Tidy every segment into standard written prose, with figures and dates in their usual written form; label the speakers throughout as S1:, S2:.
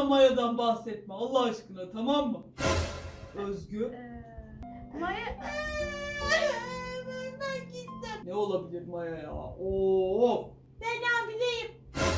S1: Maya'dan bahsetme Allah aşkına, tamam mı? Özgü.
S2: Maya...
S3: Ben gittim.
S1: Ne olabilir Maya ya? Oo.
S3: Ben hamileyim.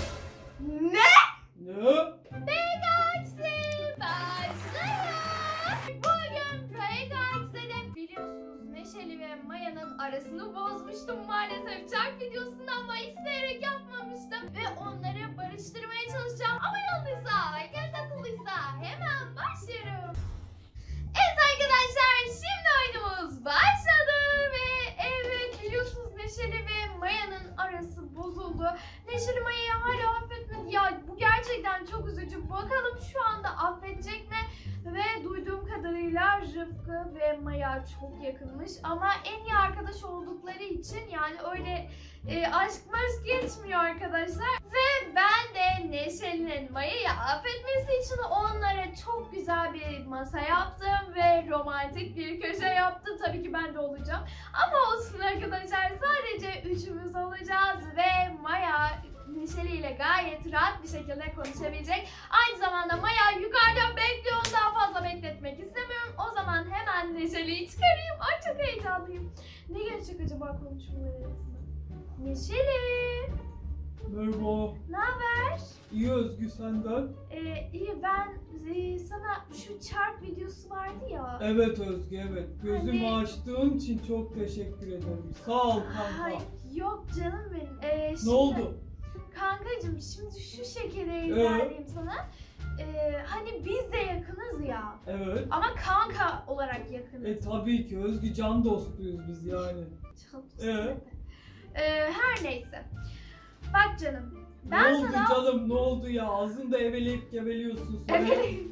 S2: Ne?
S1: Ne?
S2: Pegaksi başlıyor. Bugün Pegaksi'de biliyorsunuz Neşeli ve Maya'nın arasını bozmuştum maalesef. Çark videosunda ama isteyerek yapmamıştım. Ve onları barıştırmaya çalışacağım. Abone olduysa, göz atılıysa hemen başlıyorum. Evet arkadaşlar, şimdi oyunumuz başladı ve evet biliyorsunuz Neşeli ve Maya'nın arası bozuldu. Neşeli Maya'yı hala affetmedi. Ya bu gerçekten çok üzücü. Bakalım şu anda affedecek mi? Ve duyduğum kadarıyla Rıfkı ve Maya çok yakınmış. Ama en iyi arkadaş oldukları için yani öyle aşk maşk geçmiyor arkadaşlar. Ve ben de Neşeli'nin Maya'yı affetmesi için onlara çok güzel bir masa yaptım ve romantik bir köşe yaptım. Tabii ki ben de olacağım. Ama olsun arkadaşlar, sadece üçümüz olacağız ve Maya Neşeli ile gayet rahat bir şekilde konuşabilecek. Aynı zamanda Maya yukarıda bekliyor. Onu daha fazla bekletmek istemiyorum. O zaman hemen Neşeli'yi çıkarayım. Ay çok heyecanlıyım. Ne gelecek acaba konuşmalar arasında? Neşeli.
S1: Merhaba.
S2: Ne haber?
S1: İyi Özgü, senden?
S2: İyi ben sana şu çark videosu vardı ya.
S1: Evet Özgü, evet. Gözümü
S2: Hani-
S1: açtığın için çok teşekkür ederim. Sağ ol kanka.
S2: Ay, yok canım benim.
S1: Ne
S2: Şimdi,
S1: oldu?
S2: Kankacığım şimdi şu şekeri izah edeyim sana. Hani biz de yakınız ya.
S1: Evet.
S2: Ama kanka olarak yakınız.
S1: Tabii ki Özgü, can dostuyuz biz yani.
S2: Çok
S1: Ee?
S2: Her neyse. Bak canım.
S1: Ne
S2: Ben
S1: oldu
S2: sana
S1: canım, ne oldu ya? Ağzında eveleyip geveliyorsun sonra.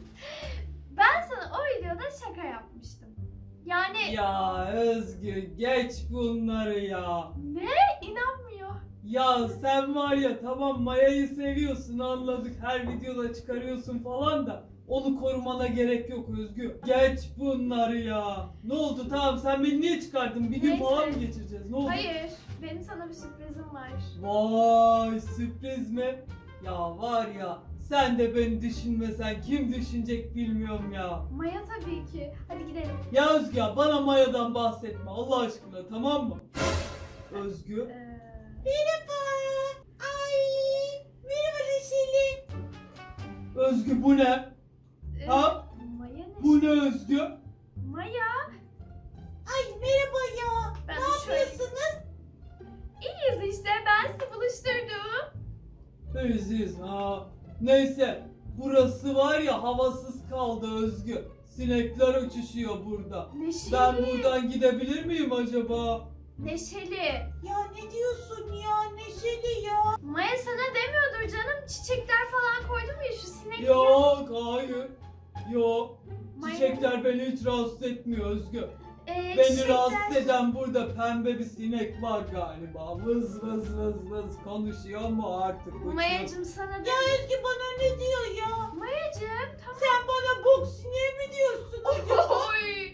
S2: ben sana o videoda şaka yapmıştım. Yani
S1: Ya Özgü, geç bunları ya.
S2: ne? İnanmıyor.
S1: Ya sen var ya, tamam Maya'yı seviyorsun, anladık, her videoda çıkarıyorsun falan da onu korumana gerek yok Özgü. Geç bunları ya. Ne oldu, tamam sen beni niye çıkardın? Bir gün
S2: Neyse.
S1: falan mı geçireceğiz? Ne oldu?
S2: Hayır. Benim sana bir sürprizim var.
S1: Vay, sürpriz mi? Ya var ya, sen de beni düşünmesen kim düşünecek bilmiyorum ya.
S2: Maya tabii ki. Hadi gidelim.
S1: Ya Özgü ya, bana Maya'dan bahsetme Allah aşkına, tamam mı? Özgü.
S3: Merhaba. Ay. Merhaba Neşeli.
S1: Özgü bu ne? Ha?
S2: Maya ne?
S1: Bu ne Özgü?
S2: Maya.
S3: Ay merhaba ya.
S2: Ben
S3: Ne
S2: de şöyle-
S3: yapıyorsunuz?
S2: İyiyiz işte. Ben sizi buluşturdum.
S1: İyiyiz ha. Neyse, burası var ya havasız kaldı Özgü. Sinekler uçuşuyor burada.
S2: Neşeli.
S1: Ben buradan gidebilir miyim acaba?
S2: Neşeli.
S3: Ya ne diyorsun ya Neşeli ya?
S2: Maya sana demiyordur canım. Çiçekler falan koydum ya şu sinekler.
S1: Yok, hayır. Yok.
S2: Maya-
S1: Çiçekler beni hiç rahatsız etmiyor Özgü. Beni
S2: çiçekler-
S1: rahatsız eden burada pembe bir sinek var galiba. Vız vız vız vız konuşuyor mu artık? uçuyor.
S2: Mayacım sana
S3: Ya
S2: de.
S3: Özgü bana ne diyor ya?
S2: Mayacım tamam.
S3: Sen bana bok sineği mi diyorsun acaba?
S2: Oy.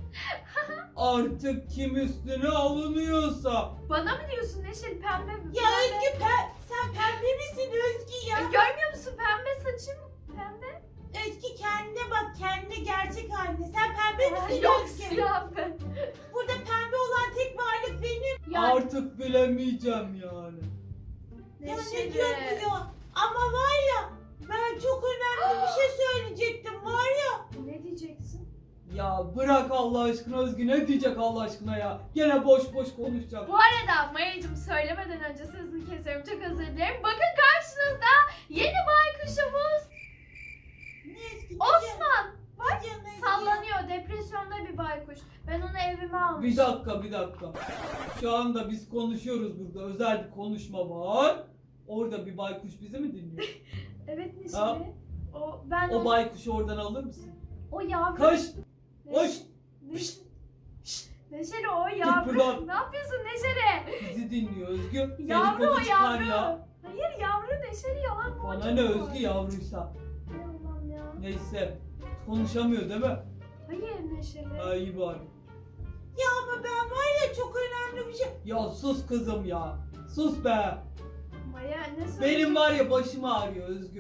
S1: Artık kim üstüne alınıyorsa.
S2: Bana mı diyorsun Neşeli pembe mi?
S3: Ya Özgü sen pembe misin Özgü ya?
S2: Görmüyor musun pembe saçım? Pembe.
S3: Özgü kendine bak, kendine gerçek haline. Sen pembe misin
S2: Yok
S3: Özgü?
S2: siyah ben.
S3: Burada pembe olan tek varlık benim.
S2: Ya
S1: Artık bilemeyeceğim yani.
S3: Ya ne
S2: Neşeli.
S3: diyor bu ya? Ama var ya, ben çok önemli bir şey söyleyecektim var ya.
S2: Ne diyeceksin?
S1: Ya bırak Allah aşkına Özgü, ne diyecek Allah aşkına ya? Gene boş boş konuşacak.
S2: Bu arada Mayacım söylemeden önce sözünü kesiyorum. Çok özür dilerim. Bakın karşınızda yeni baykuşumuz
S3: Ne Özgü?
S2: Osman.
S3: Bak ya ne
S2: Sallanıyor. Depresyonda bir baykuş. Ben onu evime almıştım.
S1: Bir dakika. Şu anda biz konuşuyoruz burada. Özel bir konuşma var. Orada bir baykuş bizi mi dinliyor?
S2: Evet Neşeli.
S1: Ha?
S2: O
S1: O baykuşu oradan alır mısın?
S2: o yavru.
S1: Koş!
S2: Neş-
S1: Koş!
S2: Neş- Neşeli o yavru.
S1: buradan.
S2: Ne yapıyorsun Neşeli?
S1: Bizi dinliyor Özgü.
S2: Yavru
S1: Dedikodu
S2: o
S1: çıkar
S2: yavru.
S1: ya.
S2: Hayır yavru Neşeli yalan mı?
S1: Bana ne Özgü yavruysa.
S2: Hay Allah'ım ya.
S1: Neyse. Konuşamıyor değil mi?
S2: Hayır Neşeli.
S1: Ha, iyi bari.
S3: Ya ama ben var ya çok önemli bir şey.
S1: Ya sus kızım ya. Sus be.
S2: Maya ne söyleyeceksin?
S1: Benim var ya başım ağrıyor Özgü.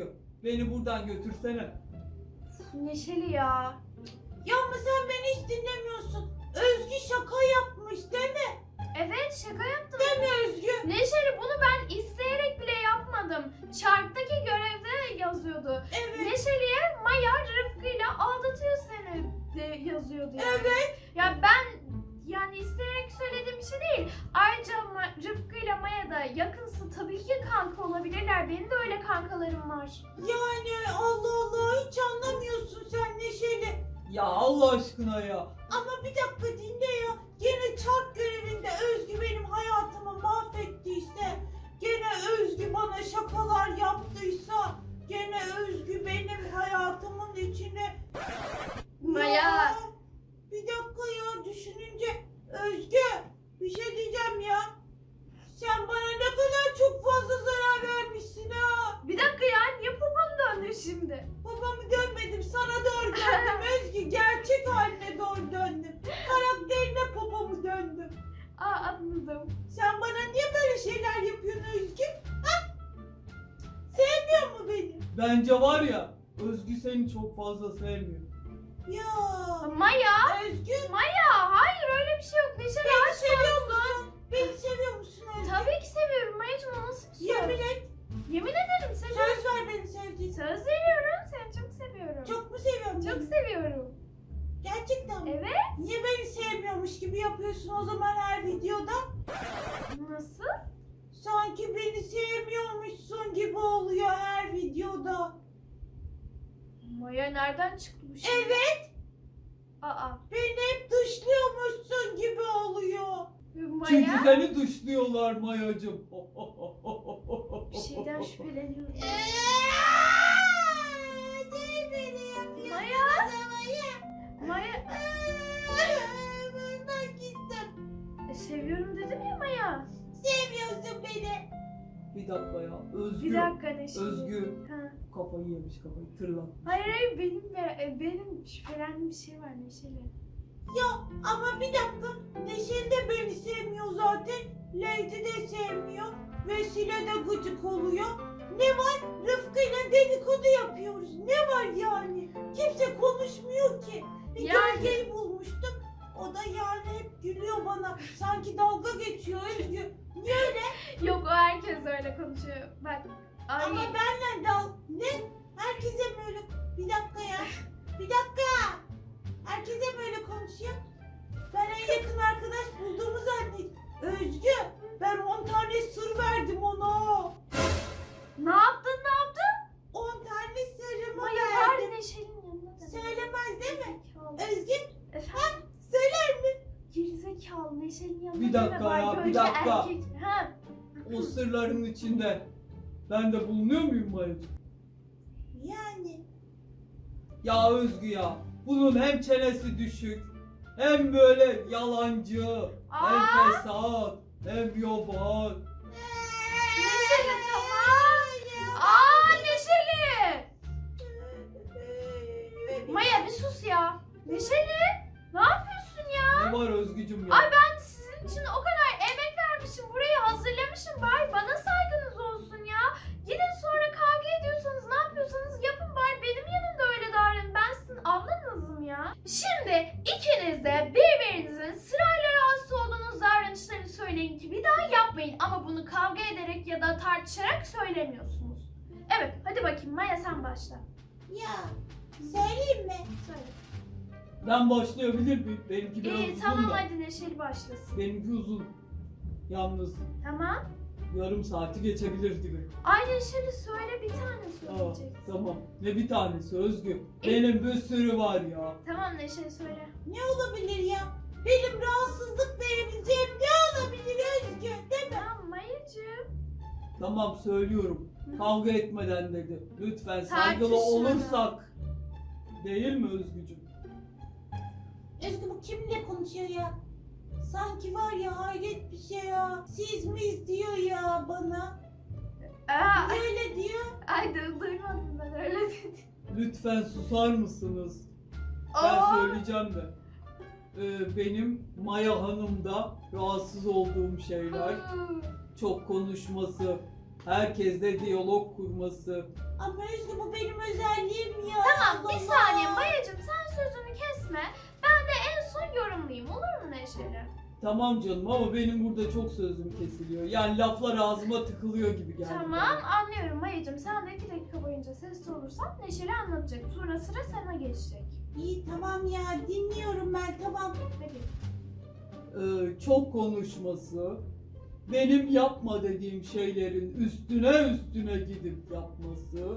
S1: Beni buradan götürsene.
S2: Neşeli ya.
S3: Ya ama sen beni hiç dinlemiyorsun. Özgü şaka yapmış değil mi?
S2: Evet, şaka yaptım.
S3: Değil mi Özgü?
S2: Neşeli, bunu ben isteyerek bile yapmadım. Çarktaki görevde yazıyordu.
S3: Evet.
S2: Neşeli'ye Maya Rıfkı'yla aldatıyor seni de yazıyordu yani.
S3: Evet.
S2: Ya ben yani isteyerek söylediğim bir şey değil. Ayrıca Rıfkı ile Maya da yakınsa tabii ki kanka olabilirler. Benim de öyle kankalarım var.
S3: Yani Allah Allah hiç anlamıyorsun sen Neşeli.
S1: Ya Allah aşkına ya.
S3: Ama bir dakika dinle ya. Gene çark görevinde Özgü benim hayatımı mahvettiyse, gene Özgü bana şakalar yaptıysa, gene Özgü benim hayatımın içine...
S2: Maya.
S3: Ya, bir dakika ya düşününce Özgü bir şey diyeceğim ya. Sen bana ne kadar çok fazla zarar vermişsin ha.
S2: Bir dakika ya, niye baban döndü şimdi?
S3: Babamı dönmedim, sana doğru döndüm Özgü. Gerçek haline doğru döndüm. Karakterine babamı döndüm.
S2: Aa, anladım.
S3: Sen bana niye böyle şeyler yapıyorsun Özgü? Ha? Sevmiyor mu beni?
S1: Bence var ya, Özgü seni çok fazla sevmiyor.
S3: Ya
S2: Maya.
S3: Özgü
S2: Maya, hayır öyle bir şey yok. Neşeli
S3: beni
S2: aşk
S3: seviyor
S2: olsun.
S3: musun? Beni seviyor musun Özgü?
S2: Tabii ki seviyorum Mayacığım, o nasıl bir söz?
S3: Yemin et.
S2: Yemin ederim seni.
S3: Söz ver beni sevdiğin.
S2: Söz veriyorum, seni çok seviyorum.
S3: Çok mu seviyorsun
S2: Çok
S3: beni?
S2: seviyorum.
S3: Gerçekten mi?
S2: Evet.
S3: Niye beni sevmiyormuş gibi yapıyorsun o zaman her videoda?
S2: Nasıl?
S3: Sanki beni sevmiyormuşsun gibi oluyor her videoda.
S2: Maya nereden çıktı bu şey?
S3: Evet,
S2: Aa.
S3: beni hep dışlıyormuşsun gibi oluyor.
S1: Çünkü
S2: Maya
S1: seni dışlıyorlar Mayacım.
S2: bir şeyden şüpheleniyorum.
S3: Değil beni yapıyorsun.
S2: Maya.
S3: Maya.
S2: Maya
S3: Ben gittim.
S2: seviyorum dedim ya Maya.
S3: Sevmiyorsun beni.
S1: Bir dakika ya. Özgü.
S2: Bir dakika Neşeli.
S1: Özgü.
S2: Ha.
S1: Kafayı yemiş, kafayı tırlan.
S2: Hayır benim şüphelendiğim bir şey var Neşeli.
S3: Ya ama bir dakika. Neşeli de beni sevmiyor zaten. Leydi de sevmiyor. Vesile de gıcık oluyor. Ne var? Rıfkı'yla dedikodu yapıyoruz. Ne var yani? Kimse konuşmuyor ki. Bir
S2: Yani-
S3: gölgeyi bulmuştum. O da yani hep gülüyor bana. Sanki dalga geçiyor Özgü. Niye öyle?
S2: Yok, o herkes öyle konuşuyor. Bak. Ay.
S3: Ama benle ne? Herkese böyle... Bir dakika ya. Bir dakika. Herkese böyle konuşuyor. Ben en yakın arkadaş bulduğumu zannettim. Özgü, ben 10 tane sır verdim ona.
S2: Ne yaptın?
S3: 10 tane sırrımı
S2: Maya var
S3: verdim.
S2: Neşeli'nin yanında da.
S3: Söylemez değil mi?
S2: Gerizekalı.
S3: Özgü,
S2: Efendim?
S3: söyler mi?
S2: Gerizekalı Neşeli'nin yanında
S1: Bir
S2: deme,
S1: dakika
S2: var
S1: ya, bir
S2: gölge
S1: dakika.
S2: erkek. Ha.
S1: O sırların içinde ben de bulunuyor muyum Mayacım?
S3: Yani.
S1: Ya Özgü ya. Bunun hem çenesi düşük, hem böyle yalancı, hem
S2: Aa!
S1: fesat, hem yoban.
S2: Neşeli tamam. Aa Neşeli. Maya bir sus ya. Neşeli. Ne yapıyorsun ya?
S1: Ne var Özgücüm ya?
S2: Ay ben sizin için o kadar emek vermişim. Burayı hazırlamışım. Bari bana saygınız olsun ya. Gidin sonra kavga ediyorsanız ne yapıyorsanız yapın, bari benim yanımda öyle davranın. Ben sizin ablanızım ya. Şimdi ikiniz de birbirinizin sırayla rahatsız olduğunuz davranışlarını söyleyin ki bir daha yapmayın. Ama bunu kavga ederek ya da tartışarak söylemiyorsunuz. Evet, hadi bakayım Maya, sen başla.
S3: Ya, söyleyeyim mi?
S2: Söyle.
S1: Ben başlayabilir miyim? Benimki biraz
S2: İyi
S1: uzun
S2: tamam,
S1: da.
S2: hadi Neşeli başlasın.
S1: Benimki uzun. Yalnız
S2: Tamam.
S1: yarım saati geçebilir gibi.
S2: Ay Neşeli söyle, bir tane
S1: Aa,
S2: söyleyeceksin.
S1: tamam. Ne bir tanesi Özgü? Benim bir sürü var ya.
S2: Tamam Neşeli söyle.
S3: Ne olabilir ya? Benim rahatsızlık verebileceğim ne olabilir Özgü? Değil mi?
S2: Tamam Mayacığım.
S1: Tamam söylüyorum. Kavga etmeden dedi. Lütfen saygılı
S2: Tartışmadan.
S1: olursak. Değil mi Özgücüm?
S3: Özgü bu kimle konuşuyor ya? Sanki var ya hayret bir şey ya. Siz miyiz diyor ya bana.
S2: Aa,
S3: Niye öyle diyor?
S2: ay duymadım ben öyle dedim.
S1: Lütfen susar mısınız? Ben
S2: Aa,
S1: söyleyeceğim de. Benim Maya Hanım'da rahatsız olduğum şeyler. Çok konuşması, Herkesle diyalog kurması.
S3: Ama Özgü bu benim özelliğim ya.
S2: Tamam bir
S3: Allah
S2: saniye
S3: Allah.
S2: Maya'cığım sen sözümü kesme. Ben de en son yorumlayayım olur mu Neşeli?
S1: Tamam canım ama benim burada çok sözüm kesiliyor. Yani laflar ağzıma tıkılıyor gibi geldi.
S2: Tamam
S1: bana.
S2: anlıyorum Maya'cığım. Sen de 2 dakika boyunca sessiz olursan Neşeli anlatacak. Sonra sıra sana geçecek.
S3: İyi tamam ya dinliyorum ben tamam.
S2: Hadi.
S1: Çok konuşması, benim yapma dediğim şeylerin üstüne gidip yapması,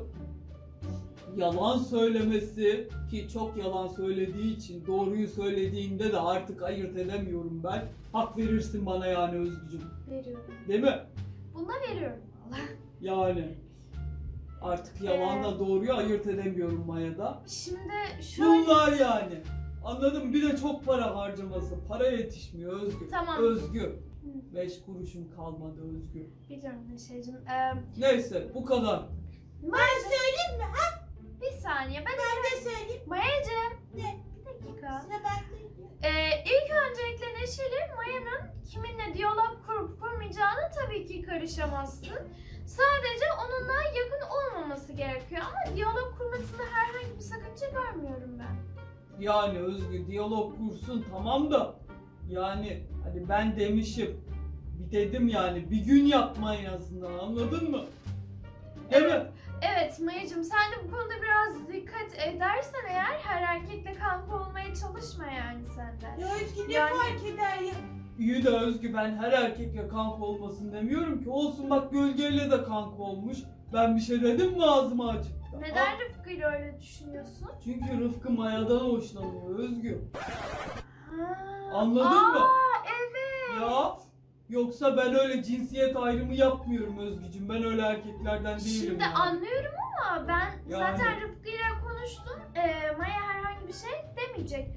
S1: yalan söylemesi ki çok yalan söylediği için doğruyu söylediğinde de artık ayırt edemiyorum ben. Hak verirsin bana yani Özgücüm.
S2: Veriyorum.
S1: Değil mi?
S2: Buna veriyorum valla.
S1: Yani artık yalanla doğruyu ayırt edemiyorum Maya'da.
S2: Şimdi şöyle...
S1: Bunlar yani. Anladın mı? Bir de çok para harcaması. Para yetişmiyor Özgür.
S2: Tamam.
S1: Özgür. 5 kuruşum kalmadı Özgür.
S2: Biliyorum Neşeli'cim.
S1: Neyse bu kadar.
S3: Ben söyleyeyim mi? Ha?
S2: Bir saniye ben...
S3: Ben de söyleyeyim.
S2: Maya'cığım.
S3: Ne?
S2: Bir dakika.
S3: Sıra bende.
S2: İlk öncelikle Neşeli, Maya'nın kiminle diyalog kurup kurmayacağına tabii ki karışamazsın. Sadece onunla yakın olmaması gerekiyor ama diyalog kurmasında herhangi bir sakınca görmüyorum ben.
S1: Yani Özgür diyalog kursun tamam da yani hani ben demişim bir dedim yani bir gün yapma en azından anladın mı? Değil mi?
S2: Evet Maya'cığım sen de bu konuda biraz dikkat edersen eğer her erkekle kanka olmaya çalışma yani sen de.
S3: Ya Özgü ne
S2: Yani-
S3: fark eder ya?
S1: İyi de Özgü ben her erkekle kanka olmasın demiyorum ki. Olsun bak Gölge'yle de kanka olmuş. Ben bir şey dedim mi ağzıma açık?
S2: Neden Rıfkı'yla öyle düşünüyorsun?
S1: Çünkü Rıfkı Maya'dan hoşlanıyor Özgü.
S2: Ha,
S1: Anladın mı?
S2: Evet.
S1: Ya yoksa ben öyle cinsiyet ayrımı yapmıyorum Özgücüm. Ben öyle erkeklerden değilim.
S2: Şimdi
S1: yani.
S2: anlıyorum ama ben
S1: Yani.
S2: zaten Rıfkı'yla konuştum. Maya herhangi bir şey demeyecek.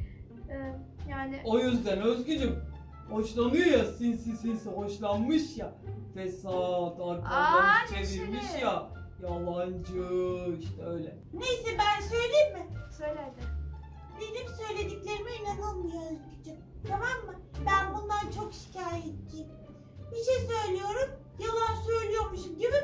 S2: Yani
S1: O yüzden Özgücüm hoşlanıyor ya sinsi hoşlanmış ya. Fesat arkamdan çevirmiş
S2: Neşeli.
S1: ya. Yalancı işte öyle.
S3: Neyse ben söyleyeyim mi?
S2: söyle hadi.
S3: Benim söylediklerime inanılmıyor Özgücüm. Tamam mı? Ben bundan çok şikayetçiyim. Bir şey söylüyorum, yalan söylüyormuşum gibi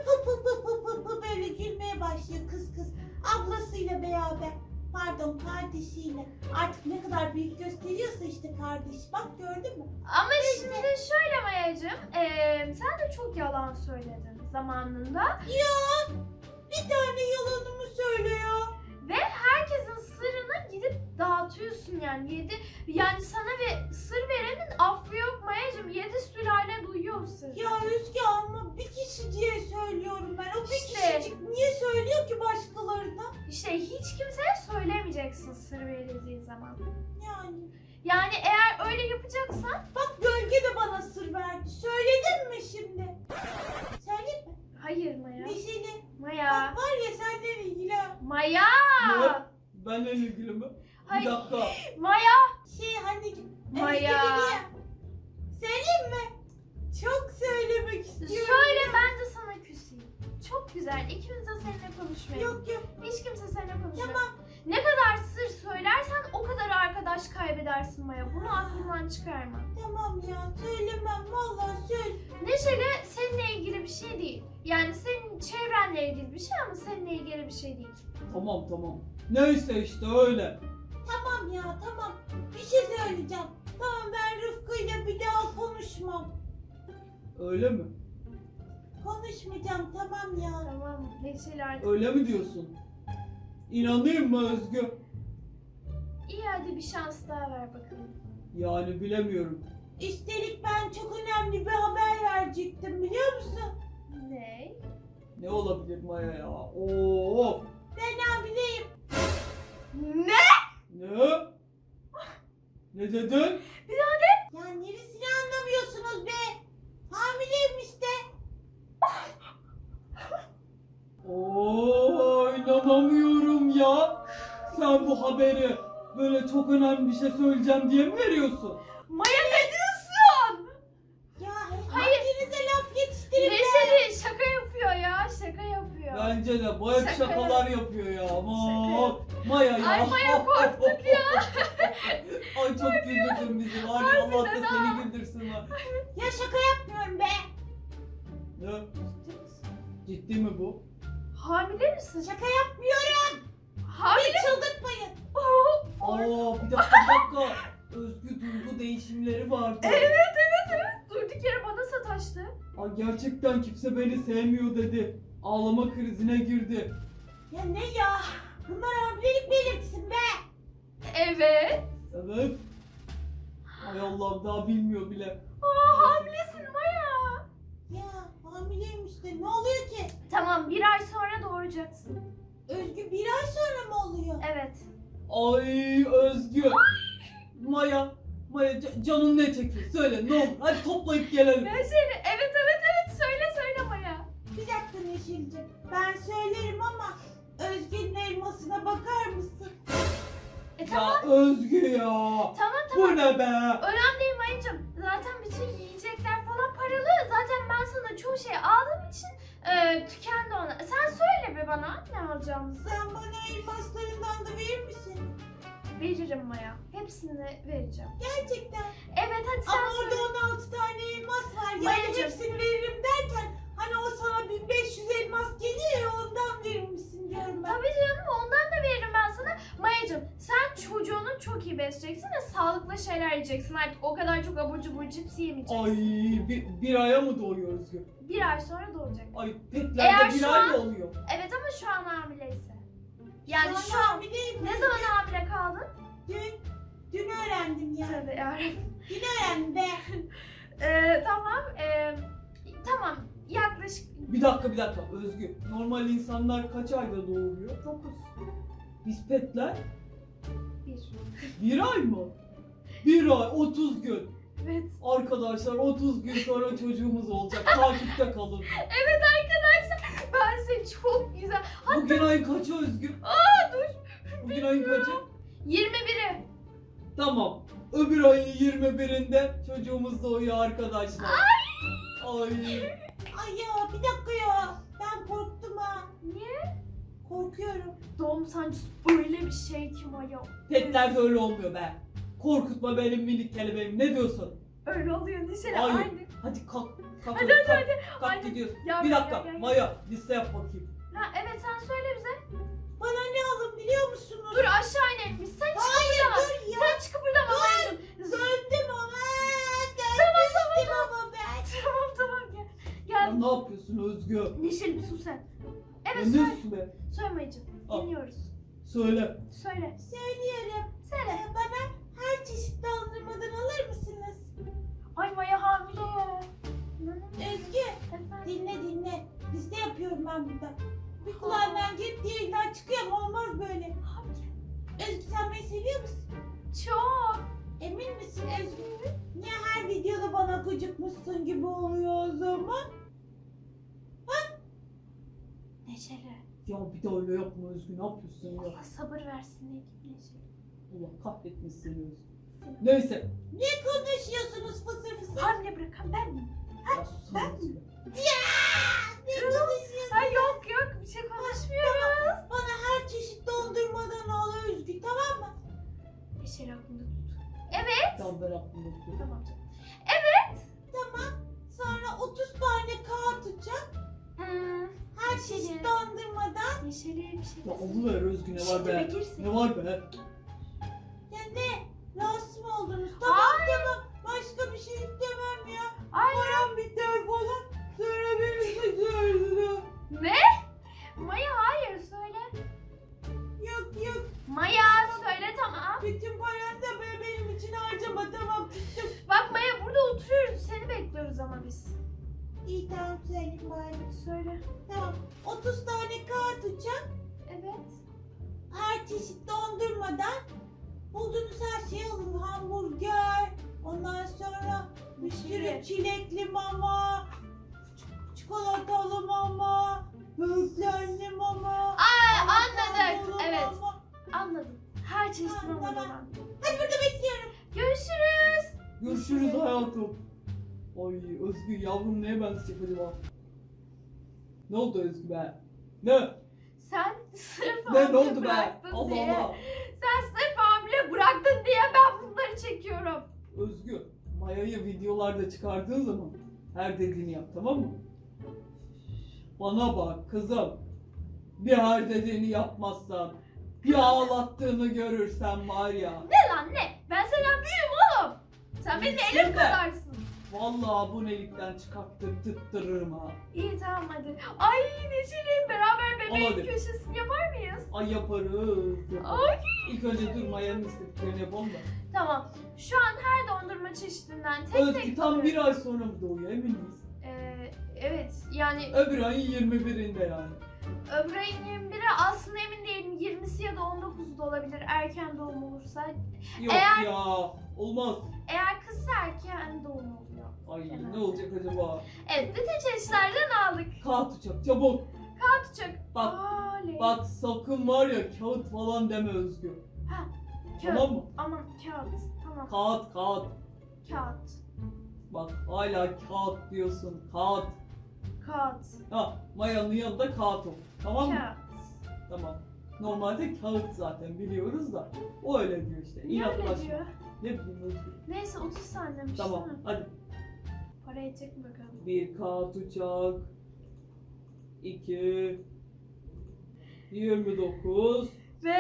S3: pı böyle gülmeye başlıyor kız. Ablasıyla beraber. Pardon kardeşiyle. Artık ne kadar büyük gösteriyorsa işte kardeş. Bak gördün mü?
S2: Ama şimdi şöyle Maya'cığım, sen de çok yalan söyledin zamanında.
S3: Ya bir tane yalanımı söylüyor.
S2: Ve herkesin sırrını gidip dağıtıyorsun yani. Yani sana bir sır verenin affı yok Maya'cığım. 7 sülale duyuyor o sırrı.
S3: Ya Özge ama bir kişi diye söylüyorum ben. O bir
S2: İşte.
S3: kişicik niye söylüyor ki başkalarına?
S2: İşte hiç kimseye söylemeyeceksin sır verildiği zaman.
S3: Yani.
S2: Yani eğer öyle yapacaksan...
S3: Bak Gölge de bana sır verdi. Söyledin mi şimdi? Söyleyeyim mi?
S2: Hayır Maya.
S3: Neşeli.
S2: Maya.
S3: Bak var ya seninle ilgili.
S2: Maya.
S1: Ne? Benle ilgili mi? Bir
S2: Hayır.
S1: dakika.
S2: Maya.
S3: Anneciğim.
S2: Maya.
S3: Özge dedi ya. Söyleyeyim mi? Çok söylemek istiyorum.
S2: Söyle
S3: ya.
S2: ben de sana küseyim. Çok güzel. İkimiz de seninle konuşmayalım.
S3: Yok.
S2: Hiç kimse seninle konuşmuyor.
S3: Tamam.
S2: Ne kadar sır söylersen o kadar arkadaş kaybedersin Maya. Bunu aklından çıkarma.
S3: Tamam ya söylemem. Vallahi söz.
S2: Neşeli seninle ilgili bir şey değil. Yani senin çevrenle ilgili bir şey ama seninle ilgili bir şey değil.
S1: Tamam. Neyse işte öyle.
S3: Tamam ya tamam. Bir şey söyleyeceğim. Tamam ben Rıfkı'yla bir daha konuşmam.
S1: Öyle mi?
S3: Konuşmayacağım tamam ya.
S2: Tamam Neşeli artık.
S1: Öyle mi diyorsun? İnanayım mı Özgü?
S2: İyi hadi bir şans daha ver bakalım.
S1: Yani bilemiyorum.
S3: Üstelik ben çok önemli bir haber verecektim biliyor musun?
S2: Ne?
S1: Ne olabilir Maya ya? Oo!
S3: Ben hamileyim.
S2: Ne?
S1: Ne? Ne dedin?
S3: Ya neresini anlamıyorsunuz be? Hamileyim işte.
S1: Oo, inanamıyorum ya. Sen bu haberi böyle çok önemli bir şey söyleyeceğim diye mi veriyorsun?
S2: Maya ne diyorsun?
S3: Ya
S2: Hayır.
S3: hanginize laf yetiştirin be?
S2: Neşeli şaka yapıyor ya. Şaka yapıyor.
S1: Bence de bu hep
S2: Şaka
S1: şakalar yapıyor ya. Aman.
S2: Şaka.
S1: Maya ya.
S2: Ay Maya korktuk ya.
S1: Ay çok güldürdün bizi. Var ya Allah da
S2: Harbiden
S1: seni güldürsün ha.
S3: Ya şaka yapmıyorum be.
S1: Ne? Ciddi mi bu?
S2: Hamile misin?
S3: Şaka yapmıyorum.
S2: Hamile.
S3: Beni çıldırtmayın.
S1: Aa bir dakika. Özgü duygu değişimleri vardı.
S2: Evet. Durduk yere bana sataştı.
S1: Ay gerçekten kimse beni sevmiyor dedi. Ağlama krizine girdi.
S3: Ya ne ya? Bunlar hamilelik belirtisi be.
S2: Evet.
S1: Evet. Ay Allah'ım daha bilmiyor bile.
S2: Hamilesin Maya.
S3: Ya hamileymiş de ne oluyor ki?
S2: Tamam, 1 ay sonra doğuracaksın.
S3: Özgü 1 ay sonra mı oluyor?
S2: Evet.
S1: Ay Özgü. Maya canın ne çekiyor? Söyle ne olur. Hadi toplayıp gelelim.
S2: Neşeli, evet. Söyle Maya.
S3: Bir dakika Neşeli'ciğim. Ben söylerim ama Özgü'nün elmasına bakar mısın?
S2: Tamam.
S1: Ya Özgü ya.
S2: Tamam.
S1: Bu ne be?
S2: Önemli değil Maya'cığım. Zaten bütün yiyecekler falan paralı. Zaten ben sana çoğu şey aldığım için tükendi ona. Sen söyle bir bana ne alacağımızı.
S3: Sen bana elmaslarından da verir misin?
S2: Veririm Maya. Hepsini vereceğim.
S3: Gerçekten.
S2: Evet hadi sen
S3: Ama
S2: söyle.
S3: orada 16 tane elmas var. Yani
S2: Mayacığım.
S3: hepsini veririm derken hani o sana 1500 elmas geliyor ya ondan verir misin diyorum ben.
S2: Tabii canım ondan da veririm ben sana. Maya'cığım sen çocuğunu çok iyi besleyeceksin ve sağlıklı şeyler yiyeceksin. Artık o kadar çok abur cubur cips yemeyeceksin.
S1: Ay bir aya mı doğuyor Özgü?
S2: 1 ay sonra doğacak.
S1: Ay
S2: Eğer
S1: petlerde bir
S2: şu
S1: ay
S2: an-
S1: mı oluyor?
S2: Evet ama şu an hamileyse. Yani
S3: Şu
S2: şu
S3: an
S2: an
S3: hamileyim.
S2: ne zaman hamile kaldın?
S3: Dün öğrendim ya.
S2: Tabii yani.
S3: Dün öğrendim be.
S2: Tamam. Tamam. Yaklaşık
S1: Bir dakika Özgü. Normal insanlar kaç ayda doğuruyor?
S2: 9.
S1: Biz petler
S2: 1.
S1: bir ay mı? Bir ay 30 gün.
S2: Evet.
S1: Arkadaşlar 30 gün sonra çocuğumuz olacak. Takipte kalın.
S2: Evet arkadaşlar. Ben seni çok güzel.
S1: Bugün ayın kaçı Özgü?
S2: Dur.
S1: Bugün ayın kaçı?
S2: 21'i.
S1: Tamam. Öbür ayın 21'inde çocuğumuz doğuyor arkadaşlar. Ay.
S3: Ay ya bir dakika ya. Ben korktum ha.
S2: Niye?
S3: Korkuyorum.
S2: Doğum sancısı öyle bir şey ki Maya.
S1: Petlerde öyle olmuyor be. Korkutma benim minik kelebeğim. Ne diyorsun?
S2: Öyle oluyor Neşeli.
S1: Hayır.
S2: Aynı.
S1: Hadi kalk. Kalk
S2: Hadi,
S1: kalk. Kalk
S2: Hadi.
S1: gidiyoruz.
S2: Ya,
S1: Bir
S2: ya,
S1: dakika.
S2: ya, ya.
S1: Maya liste yap bakayım.
S2: Ha, evet sen söyle bize.
S3: Bana ne alın biliyor musunuz?
S2: Dur aşağı inelim. Sen çık
S3: Hayır
S2: buradan.
S3: dur ya.
S2: Sen çıkıp buradan Maya'cığım.
S3: Döndüm ama. Dönmüştüm ama ben.
S2: Tamam gel.
S1: Ya
S2: Gel.
S1: ne yapıyorsun Özgü?
S2: Neşeli bir sus sen.
S1: Ya
S2: Evet
S1: ne
S2: söyle.
S1: su be?
S2: Söyle Maya'cığım.
S1: Al.
S2: Dinliyoruz.
S1: Söyle.
S2: Söyle.
S3: Söylüyorum.
S2: Söyle.
S3: Bana her çeşit dondurmadan alır mısınız?
S2: Ay Maya hamile.
S3: Özgü
S2: Efendim.
S3: dinle. Liste yapıyorum ben burada. Bir kulağından girip diğerinden çıkıyor ama olmaz böyle. Özgü sen beni seviyor musun?
S2: Çok.
S3: Emin misin Özgü? Niye her videoda bana gıcıkmışsın gibi oluyor o zaman?
S2: Neşeli.
S1: Ya bir de öyle yapma Özgü. Ne yapıyorsun ya?
S2: Allah sabır versin diye Neşeli.
S1: Allah kahretmesin seni Özgü. Neyse.
S3: Ne konuşuyorsunuz fısır fısır?
S2: Hamile bırakan ben miyim?
S1: Ya susana Özgü.
S3: Ne konuşuyorsun?
S2: Ha yok bir şey konuşmuyoruz.
S3: Bana her çeşit dondurmadan al Özgü tamam mı?
S2: Neşeli aklında tut. Evet.
S1: Tamam ben aklımda tutuyorum.
S2: Tamam canım.
S3: Tamam. Sonra 30 tane kağıt tutacak. Her
S2: Neşeli.
S3: çeşit dondurmadan.
S2: Neşeli bir şey.
S1: Ya alıver Özgü ne var
S2: Şimdi
S1: be?
S2: bekirsin.
S1: Ne var be?
S3: Ya ne? Rahatsız mı oldunuz? Tamam tamam. Başka bir şey istemem ya.
S2: Ay
S3: Param biter falan. Sonra beni kaçırdın.
S2: ne? Maya hayır söyle.
S3: Yok.
S2: Maya söyle tamam.
S3: Bütün paranı da benim için harcama tamam tuttum.
S2: Bak Maya burada oturuyoruz. Seni bekliyoruz ama biz.
S3: İyi tamam söyleyeyim bari.
S2: Söyle.
S3: Tamam. 30 tane kağıt tutacak.
S2: Evet.
S3: Her çeşit dondurmadan bulduğunuz her şeyi alın. Hamburger. Ondan sonra bir sürü çilekli mama. Çikolatalı mama. Böğürtlenli mama.
S2: Anladık.
S3: avokadolu
S2: Evet.
S3: mama.
S2: Anladım. Her çeşit
S3: Tamam,
S2: mamadan.
S3: tamam. Hadi burada bekliyorum.
S2: Görüşürüz.
S1: Görüşürüz hayatım. Ay Özgü yavrum neye benzeyecek acaba? Ne oldu Özgü be? Ne?
S2: Sen sırf
S1: Ne
S2: hamile
S1: oldu be?
S2: bıraktın
S1: Allah
S2: diye.
S1: Allah.
S2: Sen sırf hamile bıraktın diye ben bunları çekiyorum.
S1: Özgü Maya'yı videolarda çıkardığın zaman her dediğini yap tamam mı? Bana bak kızım. Bir her dediğini yapmazsan, bir ağlattığını görürsen var ya.
S2: Ne lan ne? Ben senden büyüğüm oğlum. Sen benim
S1: Şimdi.
S2: elim kadarsın.
S1: Vallahi abonelikten çıkarttırtırırım ha.
S2: İyi tamam hadi. Ay Neşeli beraber bebeğin
S1: Hadi.
S2: köşesini yapar mıyız?
S1: Ay yaparız.
S2: Ay.
S1: İlk önce dur Maya'nın istediklerini yapalım da.
S2: Tamam. Şu an her dondurma çeşidinden tek
S1: Özgü
S2: tek...
S1: tam bir ay sonra mı doğuyor emin miyiz?
S2: Evet yani
S1: Öbür ayın 21'inde yani.
S2: öbür ayın 21'i aslında emin değilim. 20'si ya da 19'u da olabilir erken doğum olursa.
S1: Yok
S2: Eğer-
S1: ya olmaz.
S2: Eğer kızsa erken doğum oluyor.
S1: Ay
S2: Evet.
S1: ne olacak acaba?
S2: Evet bütün çeşitlerden aldık.
S1: Kağıt uçak çabuk.
S2: Atacak.
S1: Bak,
S2: Oley.
S1: Bak sakın var ya kağıt falan deme Özgü.
S2: Ha,
S1: Tamam mı?
S2: Aman kağıt. Tamam.
S1: Kağıt.
S2: Kağıt.
S1: Bak hala kağıt diyorsun. Kağıt.
S2: Kağıt.
S1: Ha Maya'nın yanında kağıt ol. Tamam mı?
S2: Kağıt.
S1: Tamam. Normalde kağıt zaten biliyoruz da. O öyle diyor işte.
S2: Niye öyle
S1: İnatlaşma.
S2: diyor?
S1: Ne bileyim Özgü.
S2: Neyse 30 saniymiş
S1: Tamam
S2: değil mi?
S1: hadi.
S2: Para edecek mi bakalım?
S1: Bir kağıt uçak. 2 29
S2: Ve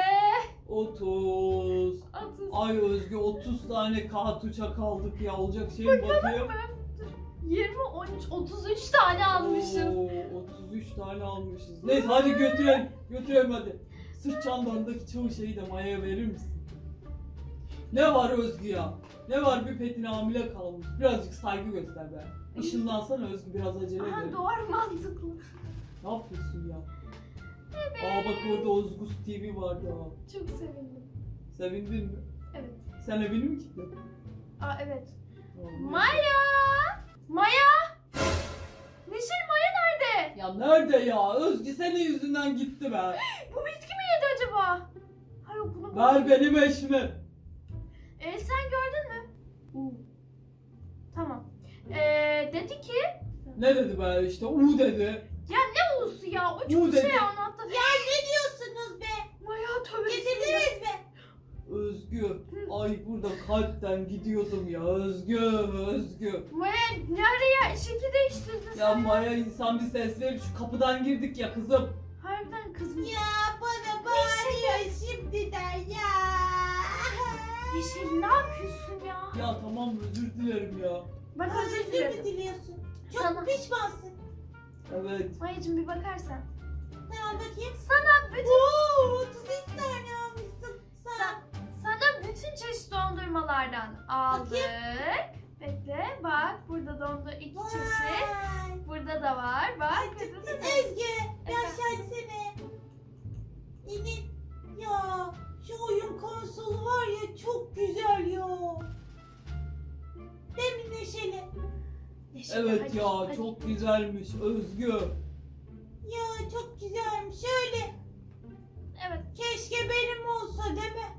S1: 30
S2: 30.
S1: Ay Özgü 30 tane kağıt uçak aldık ya olacak şey mi bakayım?
S2: 20, 13, 33 tane almışız.
S1: Oo, 33 tane almışız. Neyse hadi götürelim. Götürelim hadi. Sırt çantamdaki çoğu şeyi de Maya'ya verir misin? Ne var Özgü ya? Ne var bir petin hamile kalmış. Birazcık saygı göster be. Işınlansana Özgü biraz acele
S2: Aha
S1: edelim.
S2: doğru mantıklı.
S1: Ne yapıyorsun ya? Aa bak orada Ozgus TV vardı ha.
S2: Çok sevindim.
S1: Sevindin mi?
S2: Evet.
S1: Sen evini mi kilitledin?
S2: Aa evet.
S1: Tamam,
S2: Maya! Maya! Neşeli Maya nerede?
S1: Ya nerede ya? Özgü senin yüzünden gitti be.
S2: Bu bitki mi yedi acaba? Hayır bunu
S1: Ver benim eşimi.
S2: Sen gördün mü? Tamam. Dedi ki
S1: Ne dedi be işte U dedi.
S2: ne ulusu ya? O
S1: Bu
S2: çok
S1: dedi.
S2: şey anlattı.
S3: Ya ne diyorsunuz be?
S2: Maya tövbe bismillah.
S3: Getirdiniz mi?
S1: Özgü. Ay burada kalpten gidiyordum ya. Özgü.
S2: Maya nereye şekil değiştirdin
S1: Ya
S2: sen?
S1: Maya insan bir ses verir. Şu kapıdan girdik ya kızım.
S2: Harbiden kızım.
S3: Ya bana bağırıyor şimdiden ya.
S2: Neşeli ne yapıyorsun ya?
S1: Ya tamam özür dilerim ya.
S2: Bak özür
S3: Özür mü
S2: dilerim.
S3: diliyorsun? Çok
S2: Sana.
S3: pişmansın.
S1: Evet.
S2: Mayacım bir bakarsan.
S3: Tamam bakayım.
S2: Sana bütün
S3: Oo, 33 tane almışsın. Sağ ol.
S2: sana bütün çeşit dondurmalardan aldık. Bekle bak burada iki çeşit.
S3: Vay.
S2: Burada da var bak.
S3: Özgü, yaşansana. İnin. Ya, şu oyun konsolu var ya çok güzel ya. Değil mi Neşeli?
S2: Neşeli,
S1: Evet
S2: hadi,
S1: ya
S2: hadi.
S1: çok güzelmiş Özgü.
S3: Ya çok güzelmiş. Şöyle,
S2: Evet.
S3: keşke benim olsa değil mi?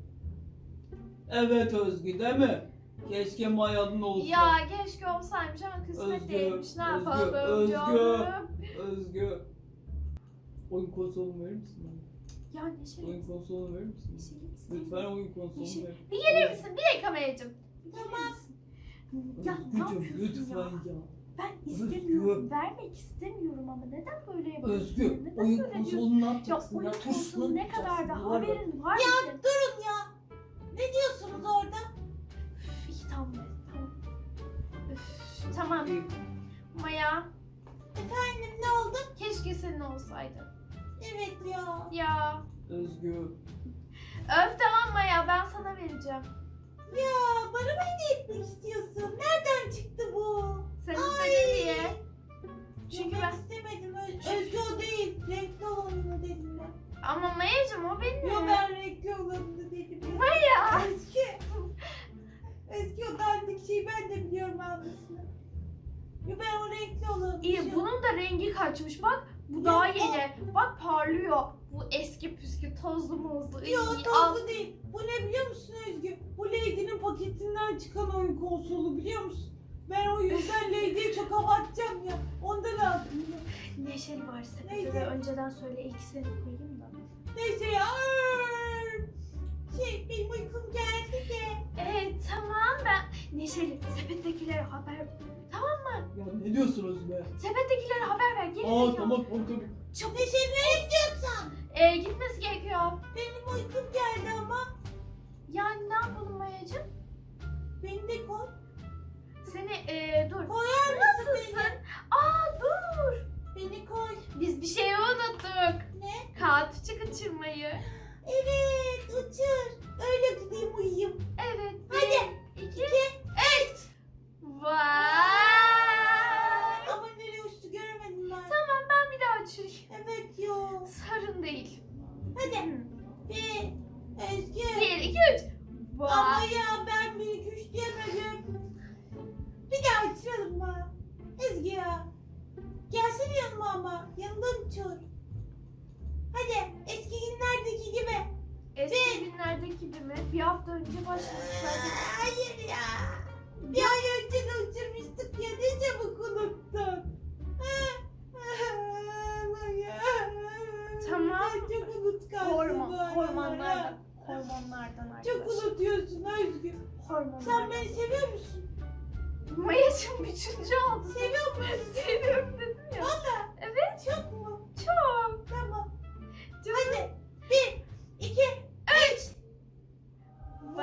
S1: Evet Özgü değil mi? Keşke Maya'nın olsa.
S2: Ya keşke olsaymış ama kısmet
S1: Özgü,
S2: değilmiş. Ne
S1: Özgü,
S2: yapalım
S1: Özgü.
S2: canım?
S1: Özgü. Oyun konsolunu verir misin bana?
S2: Ya Neşeli.
S1: Oyun konsolunu verir misin?
S2: Neşeli istemiyorum.
S1: Lütfen oyun konsolunu
S2: Neşeli.
S1: ver.
S2: Bir gelir misin? Bir dakika Mayacım.
S3: Tamam.
S2: Ya ne
S1: Özgücüm
S2: yapıyorsun
S1: lütfen
S2: ya?
S1: ya.
S2: Ben istemiyorum. Vermek istemiyorum ama neden böyle yapıyorsun?
S1: Özgü
S2: Neden
S1: oyun
S2: böyle diyorsun?
S1: konsolunu ne
S2: Ya
S1: yapacaksın
S2: oyun
S1: ya? Tuşunu
S2: konsolu ne kadar da
S1: yapacaksın, var ya.
S2: haberin var
S3: Ya
S2: mı?
S3: durun ya. Ne diyorsunuz orada?
S2: Üf, iyi tamam. Tamam. Üf, tamam.
S1: İyi.
S2: Maya
S3: Efendim ne oldu?
S2: keşke senin olsaydı.
S3: Evet ya.
S2: Ya.
S1: Özgü.
S2: Öf tamam Maya ben sana vereceğim.
S3: Ya bana mı hediye etmek istiyorsun? Nereden çıktı bu?
S2: Sen istedin diye.
S3: Çünkü
S2: Çünkü
S3: ben
S2: ben...
S3: istemedim. Özgü o değil. Renkli olanını dedim ben.
S2: Ama Maya'cım o benim.
S3: Yo ben renkli olanını dedim ya.
S2: Maya.
S3: Özgü. Özgü o dandik şeyi ben de biliyorum almasını. Yo ben o renkli olanını
S2: İyi
S3: düşünüyorum.
S2: bunun da rengi kaçmış bak. Bu daha yeni. Bak parlıyor. Bu eski püskü tozlu muzlu.
S3: Yo
S2: İyi,
S3: tozlu değil. Bu ne biliyor musun Özgü? Bu Lady'nin paketinden çıkan oyun konsolu biliyor musun? Ben o yüzden Lady'ye çok hava atacağım ya. Ondan aldım ya.
S2: Neşeli var sepete
S3: Neydi?
S2: ve önceden söyle ikisini koyayım da.
S3: Neyse ya. Benim uykum geldi de.
S2: Evet tamam ben Neşeli sepettekilere haber
S1: Ya Ne diyorsunuz be?
S2: Sepettekilere haber ver. Geri
S1: Aa
S2: zekalı.
S1: tamam tabii.
S2: Çabuk.
S3: Neşe nereye gidiyorsun?
S2: Gitmesi gerekiyor.
S3: Benim uykum geldi ama.
S2: Yani ne yapalım Mayacığım?
S3: Beni de koy.
S2: Seni dur.
S3: Koyar mısın
S2: Nasılsın?
S3: beni?
S2: Aa dur.
S3: Beni koy.
S2: Biz bir şey unuttuk.
S3: Ne?
S2: Kağıt uçu kaçırmayı.
S3: Evet uçur. Öyle gideyim uyuyayım.
S2: Evet.
S3: Hadi.
S2: 2, 3.
S3: 2.
S2: Vay.
S3: Ama nereye uçtu göremedim ben.
S2: Tamam ben bir daha uçurayım.
S3: Evet yo.
S2: Sorun değil.
S3: Hadi. Bir. Özgür.
S2: 1, 2, 3.
S3: Ama
S2: Vay.
S3: ya ben 1 2 3 diyemedim. Bir daha uçuralım mı? Ezgi ya. Gelsene yanıma ama. Yanımdan uçur. Hadi eski günlerdeki gibi.
S2: Eski günlerdeki gibi mi? Bir hafta önce başladık zaten.
S3: Hayır ya. Bir ay önce de uçurmuştuk ya. Ne çabuk unuttun. Ama ya.
S2: Tamam.
S3: Sen çok unutkansın.
S2: Hormonlardan. Hormonlardan
S3: Çok
S2: arkadaş.
S3: unutuyorsun Özgür.
S2: Hormonlardan.
S3: Sen beni seviyor musun?
S2: Mayacığım 3. oldu.
S3: Seviyor musun?
S2: Seviyorum dedim ya.
S3: Valla.
S2: Evet.
S3: Çok mu?
S2: Çok.
S3: Tamam.
S2: Canım.
S3: Hadi. 1, 2, 3.
S2: Vay.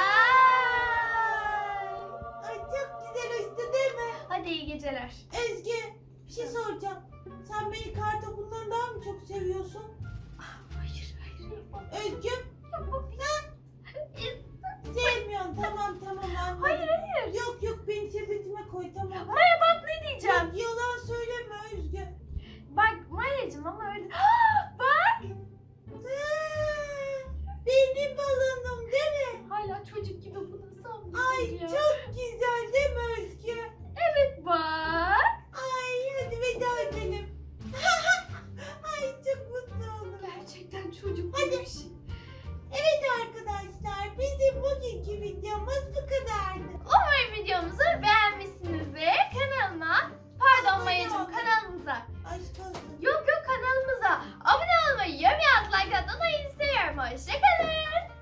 S3: Ay çok güzel uçtu değil mi?
S2: Hadi iyi geceler.
S3: Özgü bir şey soracağım. Sen beni kartopundan daha mı çok seviyorsun?
S2: Hayır hayır yapamam.
S3: Özgü